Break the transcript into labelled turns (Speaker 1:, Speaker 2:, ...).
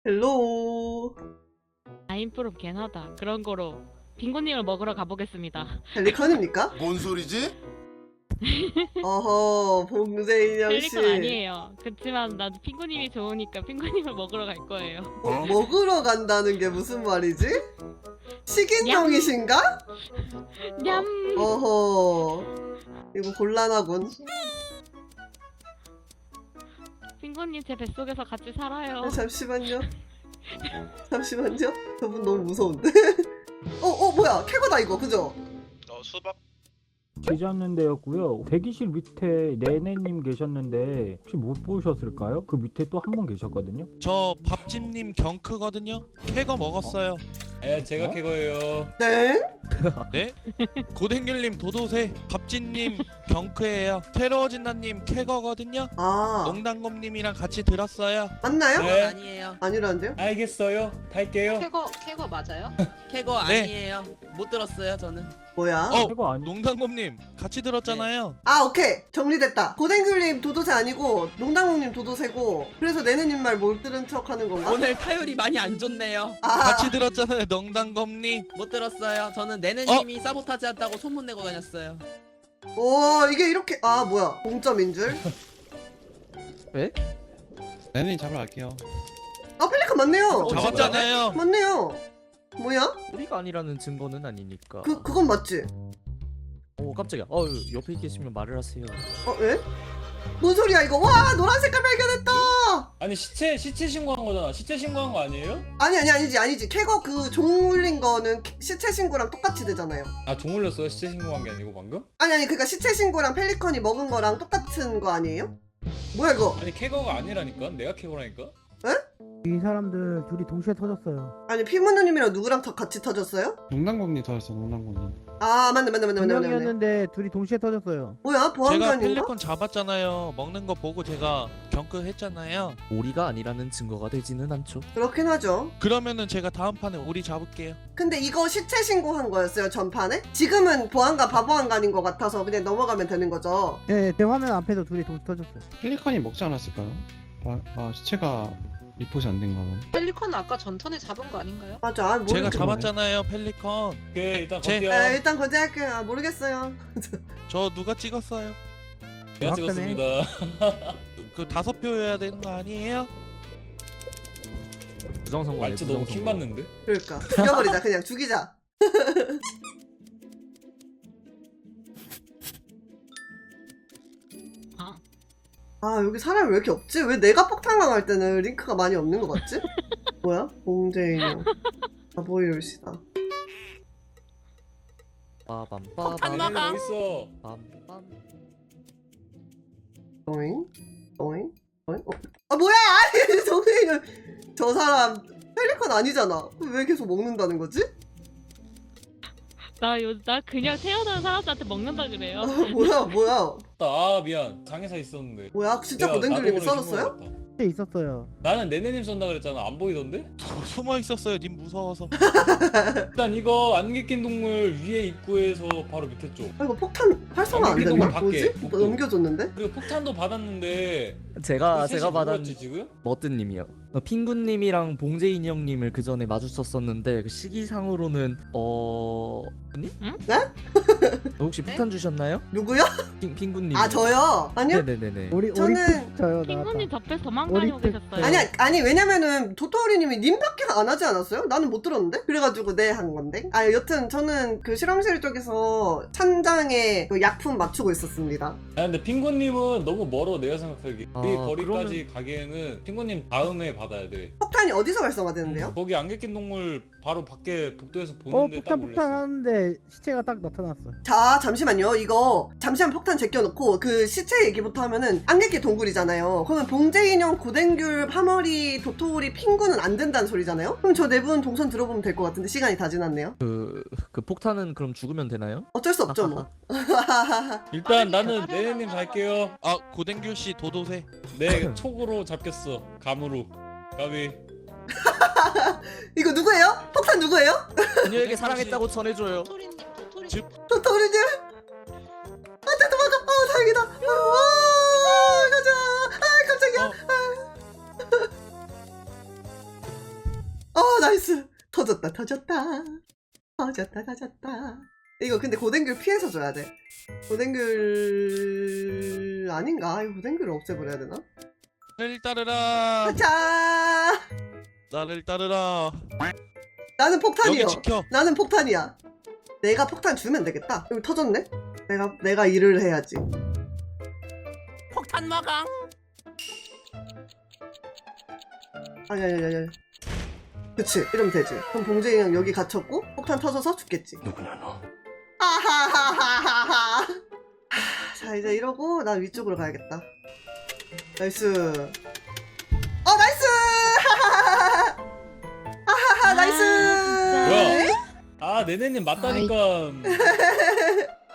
Speaker 1: 헬로우.
Speaker 2: 아임프로 개나다. 그런 거로 빙고님을 먹으러 가보겠습니다.
Speaker 1: 펠리컨입니까?
Speaker 3: 뭔 소리지?
Speaker 1: 어허, 봉제인형씨.
Speaker 2: 펠리컨 아니에요. 그렇지만 나도 핑구님이 좋으니까 핑구님을 먹으러 갈 거예요.
Speaker 1: 먹으러 간다는 게 무슨 말이지? 식인종이신가?
Speaker 2: 냠!
Speaker 1: 어허, 이거 곤란하군.
Speaker 2: 핑구님 제 뱃속에서 같이 살아요.
Speaker 1: 잠시만요. 잠시만요. 저분 너무 무서운데? 뭐야. 캐거다 이거, 그죠?
Speaker 3: 수박
Speaker 4: 계셨는데였고요. 대기실 밑에 네네님 계셨는데 혹시 못 보셨을까요? 그 밑에 또 한 분 계셨거든요.
Speaker 5: 저 밥집님 경크거든요. 캐거 먹었어요.
Speaker 6: 예, 제가 캐거예요.
Speaker 1: 네?
Speaker 5: 네? 고댕귤님 도도새, 밥집님 경크예요. 테러진다님 캐거거든요.
Speaker 1: 아,
Speaker 5: 농담곰님이랑 같이 들었어요.
Speaker 1: 맞나요?
Speaker 6: 네.
Speaker 7: 아니에요.
Speaker 1: 아니라는데요?
Speaker 6: 알겠어요. 탈게요.
Speaker 7: 캐거 맞아요? 캐거
Speaker 5: 네.
Speaker 7: 아니에요. 못 들었어요 저는.
Speaker 1: 뭐야?
Speaker 4: 그거 아니.
Speaker 5: 농담곰님 같이 들었잖아요.
Speaker 1: 아, 오케이. 정리됐다. 고댕귤님 도도새 아니고 농당홍님 도도새고, 그래서 내내님 말 못 들은 척 하는 건가?
Speaker 7: 오늘 타율이 많이 안 좋네요.
Speaker 1: 아,
Speaker 5: 같이 들었잖아요. 농담곰님.
Speaker 7: 못 들었어요. 저는 내내님이 사보타지 한다고 소문 내고 다녔어요.
Speaker 1: 오, 이게 이렇게, 아, 뭐야. 공점인 줄?
Speaker 8: 네네 잡으러 갈게요.
Speaker 1: 아, 펠리컨 맞네요.
Speaker 5: 잡았잖아요.
Speaker 1: 맞네요. 뭐야?
Speaker 9: 우리가 아니라는 증거는 아니니까.
Speaker 1: 그건 맞지?
Speaker 9: 오 깜짝이야. 옆에 계시면 말을 하세요.
Speaker 1: 왜? 뭔 소리야 이거? 와, 노란 색깔 발견했다.
Speaker 6: 아니 시체 신고한 거잖아. 시체 신고한 거 아니에요?
Speaker 1: 아니지. 캐거 그 종 울린 거는 시체 신고랑 똑같이 되잖아요.
Speaker 6: 아, 종 올렸어요? 시체 신고한 게 아니고 방금?
Speaker 1: 아니, 그러니까 시체 신고랑 펠리컨이 먹은 거랑 똑같은 거 아니에요? 뭐야 이거?
Speaker 6: 아니 캐거가 아니라니까. 내가 캐거라니까.
Speaker 4: 이 사람들 둘이 동시에 터졌어요.
Speaker 1: 아니, 피무누님이랑 누구랑 같이 터졌어요?
Speaker 8: 농담공님 터졌어. 농담공님.
Speaker 1: 아, 맞네.
Speaker 4: 두 명이었는데 둘이 동시에 터졌어요.
Speaker 1: 뭐야,
Speaker 5: 제가
Speaker 1: 보안관인가?
Speaker 5: 펠리콘 잡았잖아요. 먹는 거 보고 제가 경크 했잖아요.
Speaker 9: 우리가 아니라는 증거가 되지는 않죠.
Speaker 1: 그렇긴 하죠.
Speaker 5: 그러면은 제가 다음 판에 우리 잡을게요.
Speaker 1: 근데 이거 시체 신고한 거였어요, 전판에? 지금은 보안관, 바보안관인 것 같아서 그냥 넘어가면 되는 거죠.
Speaker 4: 네, 제 화면 앞에서 둘이 동시에 터졌어요.
Speaker 8: 펠리컨이 먹지 않았을까요? 시체가 리포트 안 된 거는.
Speaker 7: 펠리컨 아까 전턴에 잡은 거 아닌가요?
Speaker 1: 맞아, 아,
Speaker 5: 제가
Speaker 1: 모르겠...
Speaker 5: 잡았잖아요. 펠리콘.
Speaker 6: 오케이, 일단
Speaker 5: 제-
Speaker 6: 갈게요.
Speaker 1: 일단 건재할게요. 아, 모르겠어요.
Speaker 5: 저 누가 찍었어요?
Speaker 6: 제가
Speaker 4: 확실해.
Speaker 6: 찍었습니다.
Speaker 5: 그 5표여야 되는 거 아니에요?
Speaker 9: 부정선거네.
Speaker 6: 말투 너무 킹 받는데?
Speaker 1: 그러니까 죽여버리자. 그냥 죽이자. 아, 여기 사람이 왜 이렇게 없지? 왜 내가 폭탄 강할 때는 링크가 많이 없는 것 같지? 뭐야? 봉제인형 바보이올시다.
Speaker 9: 빠밤
Speaker 2: 폭탄
Speaker 9: 빠밤
Speaker 2: 막아.
Speaker 6: 어디 있어?
Speaker 9: 빰빰.
Speaker 1: 오잉? 아, 뭐야! 아니, 정세인은 저 사람 펠리컨 아니잖아. 왜 계속 먹는다는 거지?
Speaker 2: 나 그냥 태어난 사람들한테 먹는다 그래요.
Speaker 1: 뭐야?
Speaker 6: 아, 미안. 장애사 있었는데.
Speaker 1: 뭐야? 진짜
Speaker 6: 내가
Speaker 1: 고댕글님이
Speaker 6: 나도 모르게
Speaker 1: 썰었어요?
Speaker 6: 신고한 것 같다.
Speaker 4: 있었어요.
Speaker 6: 나는 네네님 쏜다 그랬잖아. 안 보이던데?
Speaker 5: 저 숨어 있었어요. 님 무서워서.
Speaker 6: 일단 이거 안개 낀 동물 위에 입구에서 바로 밑에 쪽.
Speaker 1: 아, 이거 폭탄 활성화 안
Speaker 6: 아니,
Speaker 1: 됐나?
Speaker 6: 밖에,
Speaker 1: 뭐지?
Speaker 6: 복도.
Speaker 1: 넘겨줬는데?
Speaker 6: 그리고 폭탄도 받았는데
Speaker 9: 제가
Speaker 6: 셋이
Speaker 9: 받은
Speaker 6: 누구였지, 지금?
Speaker 9: 머뜨님이요. 핑구님이랑 봉제인 형님을 그 전에 마주쳤었는데 그 시기상으로는 님?
Speaker 2: 응?
Speaker 1: 네?
Speaker 9: 혹시 폭탄 주셨나요?
Speaker 1: 누구요?
Speaker 9: 핑구님.
Speaker 1: 아, 저요? 아니요?
Speaker 9: 네네네네.
Speaker 1: 저는-
Speaker 4: 저요.
Speaker 2: 핑구님 옆에 도망다니고
Speaker 4: 어릴 때-
Speaker 2: 계셨어요.
Speaker 1: 아니, 왜냐면은 도토리님이 님밖에 안 하지 않았어요? 나는 못 들었는데? 그래가지고 네 한 건데. 아, 여튼 저는 그 실험실 쪽에서 찬장에 그 약품 맞추고 있었습니다.
Speaker 6: 아, 근데 핑구님은 너무 멀어. 내가 생각하기.
Speaker 9: 아,
Speaker 6: 이 거리까지 가기에는 핑구님 다음에 받아야 돼.
Speaker 1: 폭탄이 어디서 활성화되는데요?
Speaker 6: 거기 안개 낀 동물 바로 밖에 복도에서 보는데 딱
Speaker 4: 폭탄
Speaker 6: 올렸어.
Speaker 4: 하는데 시체가 딱 나타났어.
Speaker 1: 자, 잠시만요. 이거 잠시만 폭탄 제껴놓고 그 시체 얘기부터 하면은 안개끼 동굴이잖아요. 그러면 봉제인형, 고댕귤, 파머리, 도토리, 핑구는 안 된다는 소리잖아요? 그럼 저 네 분 동선 들어보면 될 것 같은데 시간이 다 지났네요.
Speaker 9: 그 폭탄은 그럼 죽으면 되나요?
Speaker 1: 어쩔 수 없죠 뭐.
Speaker 6: 일단 나는 네네님 갈게요.
Speaker 5: 아 고댕귤 씨 도도새.
Speaker 6: 내 촉으로 잡겠어. 감으로. 가비.
Speaker 1: 이거 누구예요? 폭탄 누구예요?
Speaker 9: 그녀에게 사랑했다고 전해줘요.
Speaker 7: 토리님, 토리.
Speaker 1: 도토리님? 안돼, 도망가. 다행이다. 가자. 깜짝이야. 터졌다. 이거 근데 고댕귤 피해서 줘야 돼. 고댕귤 아닌가? 이거 고댕귤을 없애버려야 되나?
Speaker 5: 나를 따르라.
Speaker 1: 자,
Speaker 5: 나를 따르라.
Speaker 1: 나는 폭탄이요.
Speaker 5: 여기 지켜.
Speaker 1: 나는 폭탄이야. 내가 폭탄 주면 되겠다. 여기 터졌네? 내가 일을 해야지.
Speaker 7: 폭탄 마강.
Speaker 1: 아니. 그치, 이러면 되지. 그럼 봉재이 형 여기 갇혔고 폭탄 터져서 죽겠지.
Speaker 3: 누구냐 너?
Speaker 1: 아하하하하하. 자, 이제 이러고 난 위쪽으로 가야겠다. 나이스. 나이스! 아하하, 나이스!
Speaker 2: 진짜.
Speaker 6: 뭐야? 아 네네님 맞다니까.